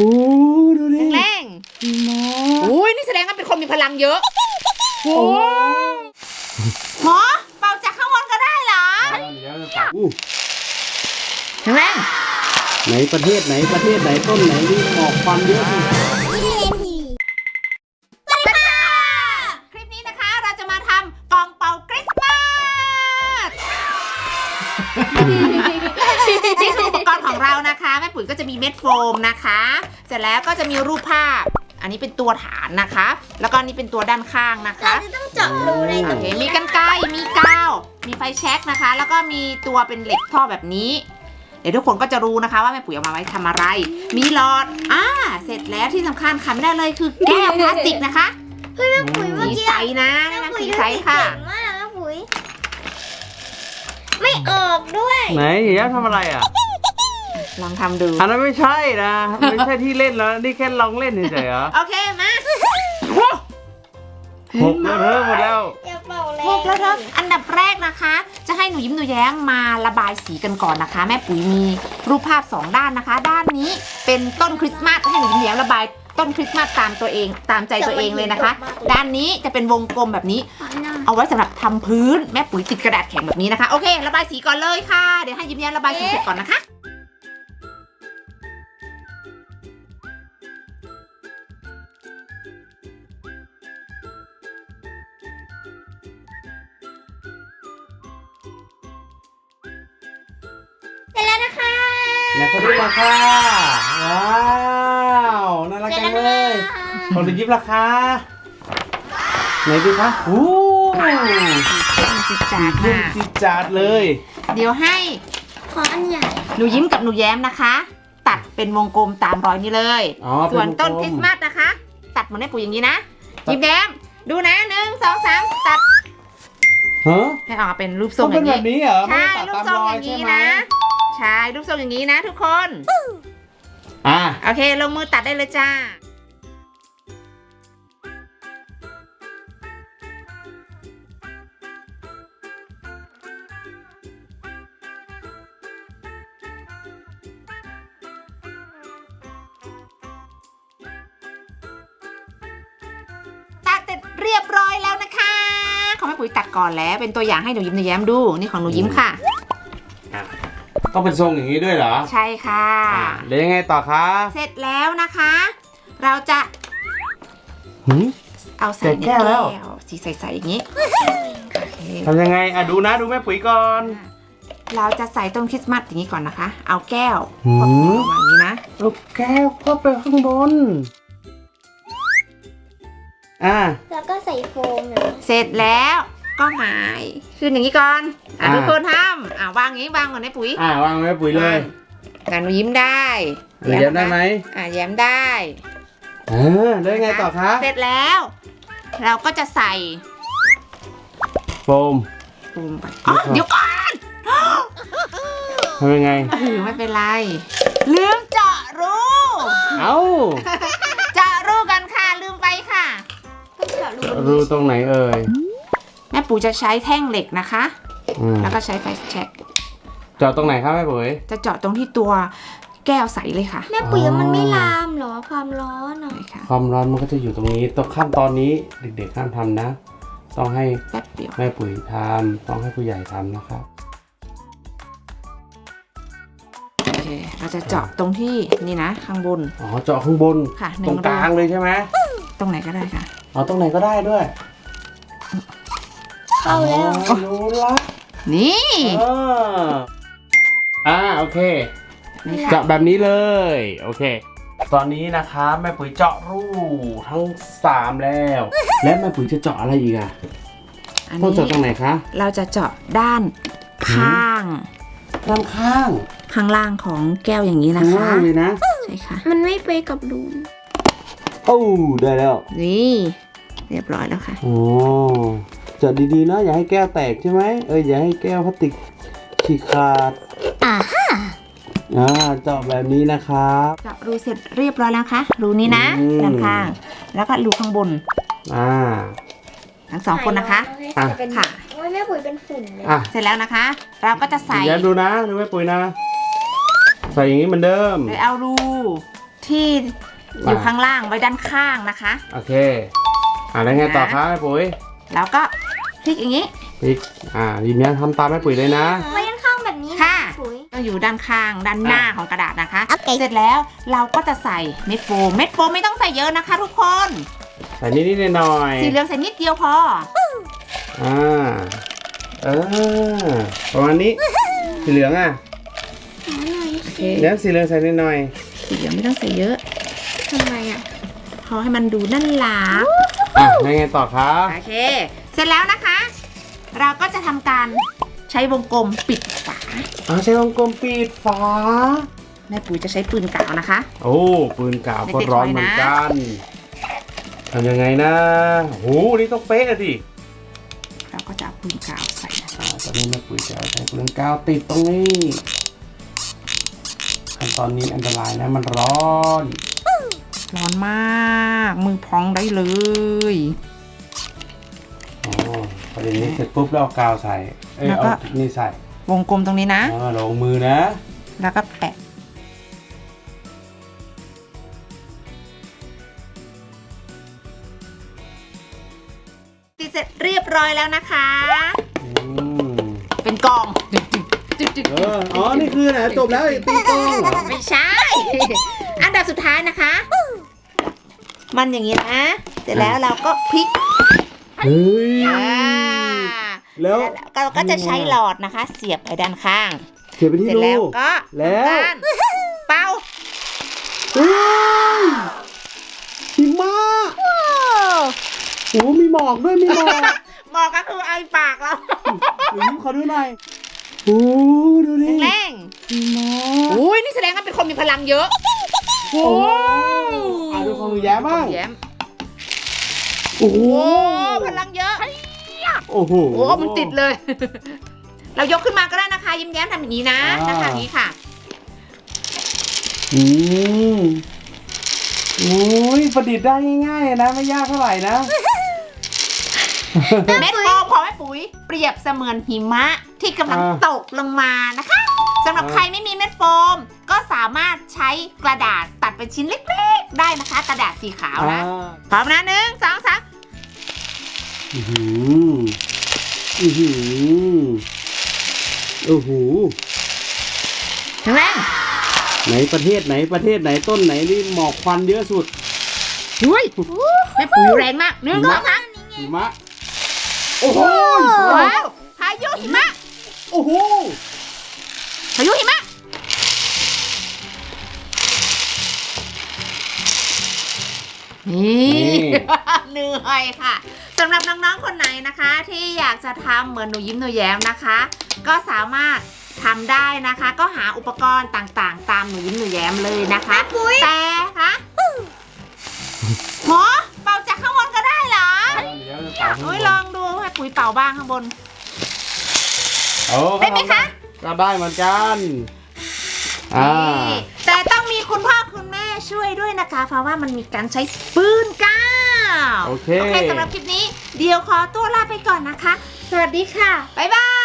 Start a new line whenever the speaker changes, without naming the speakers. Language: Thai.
อ้ดูดิ
แรงๆอุ้ยนี่แสดงว่าเป็นคนมีพลังเยอะโอ้หมอเป่าจากข้างบนก็ได้เหรอแรง
ไหนประเทศไหนต้นไหนนี่หมอกควันเยอะสิ
สวัสดีค่ะคลิปนี้นะคะเราจะมาทำกล่องเป่าคริสต์มาสนี่คืออุปกรณ์ของเรานะคะแม่ปุ๋ยก็จะมีเม็ดโฟมนะคะเสร็จแล้วก็จะมีรูปภาพอันนี้เป็นตัวฐานนะคะแล้วก็นี่เป็นตัวด้านข้างนะคะ
เราจะต้องเจาะรูใน
โอเคมีกรรไกรมีกาวมีไฟแช็กนะคะแล้วก็มีตัวเป็นเหล็กท่อแบบนี้เดี๋ยวทุกคนก็จะรู้นะคะว่าแม่ปุ๋ยเอามาไว้ทำอะไรมีหลอดเสร็จแล้วที่สำคัญขาดไม่ได้เลยคือแก้วพลาสติกนะคะ
เฮ้ยแม่ปุ๋ยเมื่อ
สี
กี้
ใสนะแนะนำสีใสค่ะ
เก่งมากแม่ปุ๋ยไม่ออกด้วย
ไหนเดี๋ยวทำอะไรอ่ะ
ลองทำดู
อันนั้นไม่ใช่นะไม่ใช่ที่เล่นแล้วนี่แค่ลองเล่นเฉยๆเหรอ
โอเคมา
หกแล้วเธอหมดแล้ว
อย่าเป่าเลย
พวกแล้วเธออันดับแรกนะคะ จะให้หนูยิ้มหนูแย้มมาระบายสีกันก่อนนะคะ แม่ปุ๋ยมีรูปภาพ2ด้านนะคะ ด้านนี้เป็นต้นคริสต์มาสให้หนูยิ้มหนูแย้มระบายต้นคริสต์มาสตามตัวเองตามใจตัวเองเลยนะคะ ด้านนี้จะเป็นวงกลมแบบนี้ เอาไว้สำหรับทำพื้นแม่ปุ๋ยติดกระดาษแข็งแบบนี้นะคะโอเคระบายสีก่อนเลยค่ะเดี๋ยวให้ยิ้มแย้มระบายสีเสร็จก่อนนะคะ
เสร็จแล้วนะคะ
ไหนเขาดูราคาว้าวน่ารักจังเลยของดูยิบราคาไหนดูคะโอ้
จิตจาด
เล่น
มาก
จิจาดเลย
เดี๋ยวให้
ขออันใหญ่
หนูยิ้มกับหนูแย้มนะคะ ตัดเป็นวงกลมตามรอยนี้เลย
อ๋อ
ส่วนต้น
เป็
คริ
วง
ส
กล
ต์มาสนะคะ ตัดเหมือนแม่ปุ๋ยอย่างนี้นะยิ้มแย้มดูนะ1 2 3ตัด
ฮะ
ให้ออกมาเป็นรูปทร
ต้อง ง
อ
เป็น
ย่าง
แบบ
นี้
นี้เหรอ
ใช่
ไม่
รู
ได้
ป
ตัด
ทรง
ตามร
อ
อย
ย่าง
ใช่
นี้
ไหม
นะใช่รูปทรงอย่างนี้นะทุกคน
อ่ะ
โอเคลงมือตัดได้เลยจ้าตัดเสร็จเรียบร้อยแล้วนะคะของแม่ปุ๋ยตัดก่อนแล้วเป็นตัวอย่างให้หนูยิ้มหนูแย้มดูนี่ของหนูยิ้มค่ะ
ต้องเป็นทรงอย่างนี้ด้วยเหรอ
ใช่ค่ะ
แล้วยังไงต่อคะ
เสร็จแล้วนะคะ เราจะ
หืม
เอาใส่ใน
แก้วแล้ว
สีใสๆอย่างนี้โอเค
ทำยังไงอ่ะดูนะดูแม่ปุ๋ยก่อน
เราจะใส่ต้นคริสต์มาสอย่างนี้ก่อนนะคะ เอาแก้ว
หืม
วางอย่างนี้นะ
ลูกแก้วก็ไปข้างบน
แล้วก็ใส่โฟมนะ
เสร็จแล้วก็หงายขึ้นอย่างนี้ก่อนทุกคนทำวางอย่างนี้วางก่อนนะปุ๋ยว
างแม่ปุ๋ยเลย
งานหนูยิ้มได้
เดี๋ยวได้ไหม
แย้มได้
แล้วยังไงต่อคะ
เสร็จแล้ว เราก็จะใส่
โฟม
ปูมไปเดี๋ยวก่อน
ทำยังไง
ไม่เป็นไรลืมเจาะรู
เอ้า
เจาะรูกันค่ะลืมไปค่ะ
ต้องเจาะรู
รูตรงไหนเอ่ย
แม่ปู่จะใช้แท่งเหล็กนะคะ แล้วก็ใช้ไฟแช็ก
เจาะตรงไหนครับแม่ปุ๋ย
จะเจาะตรงที่ตัวแก้วใสเลยค่ะ
แม่ปุ๋ยมันไม่ลามเหรอความร้อนอ่ะ
ใช่ค่ะ
ความร้อนมันก็จะอยู่ตรงนี้ตรงขั้นตอนนี้เด็กๆห้ามทำนะ ต้องให้
แป๊บเดียว
แม่ปุ๋ยทำต้องให้ผู้ใหญ่ทำนะครับ
โอเคเราจะเจาะตรงที่นี่นะข้างบน
อ๋อเจาะข้างบน
ค่ะ
ตรงกลางเลยใช่ไหม
ตรงไหนก็ได้ค่ะ
เอาตรงไหนก็ได้ด้วย
เข้าแล้ว
อ๋อรู้ละ
นี่
โอเค
นี่ค่ะ
เจาะแบบนี้เลย โอเค ตอนนี้นะคะแม่ปุ๋ยเจาะรูทั้ง3แล้ว และแม่ปุ๋ยจะเจาะอะไรอีกอ่ะ
อัน
ต้อง
นี้
เจาะตรงไหนคะ
เราจะเจาะด้านข้าง
ด้านข้าง
ข้างล่างของแก้วอย่างนี้นะ
ข้าง
คะ
ล่างเลยนะ
ใช่ค่ะ
มันไม่ไปกับรู
โอ้ได้แล้ว
นี่เรียบร้อยแล้วค่ะ
โอ้เจาะดีๆนะอย่าให้แก้วแตกใช่ไหมอย่าให้แก้วพลาสติกฉีกขาดเจาะแบบนี้นะครับ
เจาะรูเสร็จเรียบร้อยแล้วค่ะรูนี้นะ ด้านข้าง แล้วก็รูข้างบน ทั้ง2คนนะคะ
อ่ะ
เป็น
ค่ะ
โอ้ยแม่ปุ๋ยเป็นฝุ่นเลย
เสร็จแล้วนะคะ เราก็จะใส่
เดี๋ยวดูนะดูแม่ปุ๋ยนะ ใส่อย่างนี้เหมือนเดิม
โดยเอารูทที่อยู่ข้างล่างไว้ด้านข้างนะคะ
โอเคแล้วไงต่อคะแม่ปุ๋ย
แล้วก็พลิกอย่างนี้
พลิกยิ้มแย้มทำตามแม่ปุ๋ยเลยนะ
ไว้ข้างๆแบบนี้
ค่ะ
ปุ๋ย
ต้องอยู่ด้านข้างด้านหน้าของกระดาษนะคะ
โอเค
เสร็จแล้วเราก็จะใส่เม็ดโฟมไม่ต้องใส่เยอะนะคะทุกคน
ใส่นิดๆหน่อยๆ
สีเหลืองใส่นิดเดียวพอ
ประมาณนี้สีเหลืองอ่ะ
หาหน่อย
โอเค
แล้วสีเหลืองใส่นิดหน่อย
สีเหลืองไม่ต้องใส่เยอะ
ทำไมอ่ะ
พอให้มันดูน่ารัก
ยังไงต่อคะ
โอเค เสร็จแล้วนะคะ เราก็จะทำการใช้วงกลมปิดฝา
ใช้วงกลมปิดฝา
แม่ปุ๋ยจะใช้ปืนกาวนะคะ
โอ้ปืนกาวก็ร้อนเหมือนกันทำยังไงนะโหนี่ต้องเป๊ะอะดิ
เราก็จะเอาปืนกาวใส่นะ
ตอนนี้แม่ปุ๋ยจะเอาใช้ปืนกาวติดตรงนี้ขั้นตอนนี้อันตรายนะมันร้อน
ร้อนมากมือพองได้เลย
ประเด็นนี้เสร็จปุ๊บแล้วเอากาวใส่เอานี่ใส่
วงกลมตรงนี้นะ
ลงมือนะ
แล้วก็แปะติดเสร็จเรียบร้อยแล้วนะคะ เป็นกล่องจึ๊ก
นี่คือไหนจบแล้วตีกล้องเหรอ
ไม่ใช่ อันดับสุดท้ายนะคะ มันอย่างนี้นะ เสร็จแล้วเราก็พลิก
เฮ้ย แล้ว
เราก็จะใช้หลอดนะคะ เสียบไปด้านข้าง
เขียนไปที่
เสร็จ
รู
แล้วก็
แล้ว
ด้านเป่า
เฮ้ยหิมะโอ้มีหมอกด้วยมีหมอก
หมอกก็คือไอปากเรา
ยิ้มขอดูหน่อยโอ้ดูดิ
แรง
หิมะ
อุ้ยนี่แสดงว่าเป็นคนมีพลังเยอะโอ้
ดูของหนูแย้มบ้าง
แย้ม
โอ้โห
โอ้พลังเยอะ
โอ้โห
โอ้มันติดเลย เรายกขึ้นมาก็ได้นะคะ ยิ้มแย้มทำอย่างนี้นะนะคะอย่างนี้ค่ะ
โอ้ยประดิษฐ์ได้ง่ายๆนะไม่ยากเท่าไหร่นะ
เม็ดโฟมของแม่ปุ๋ยเปรียบเสมือนหิมะที่กำลังตกลงมานะคะสำหรับใครไม่มีเม็ดโฟม ก็สามารถใช้กระดาษตัดเป็นชิ้นเล็กๆได้นะคะ กระดาษสีขาวนะพร้อมนะ1 2 3
โอ้โห
แข็งแรง
ไหนประเทศไหนต้นไหนนี่หมอกควันเยอะสุด
ดุยแม่ปุ๋ยแรงมาก1 2 3
หิมะโอ้โห
ว้าวพายุหิมะ
โอ้โห
พายุหิมะนี่ เหนื่อยค่ะสำหรับน้องๆคนไหนนะคะ ที่อยากจะทำเหมือนหนูยิ้มหนูแย้มนะคะ ก็สามารถทำได้นะคะ ก็หาอุปกรณ์ต่างๆ ตามหนูยิ้มหนูแย้มเลยนะคะแต่คะหมอเป่าจากข้างบนก็ได้เหรอโอ้ยลองดูให้ปุ๋ยเป่าบ้างข้างบนได้ไหมคะ
ก็ได้เหมือนกัน
นี่แต่ต้องมีคุณพ่อคุณแม่ช่วยด้วยนะคะเพราะว่ามันมีการใช้ปืนกาว
โอเค
สำหรับคลิปนี้เดี๋ยวขอตัวลาไปก่อนนะคะ สวัสดีค่ะ บ๊ายบาย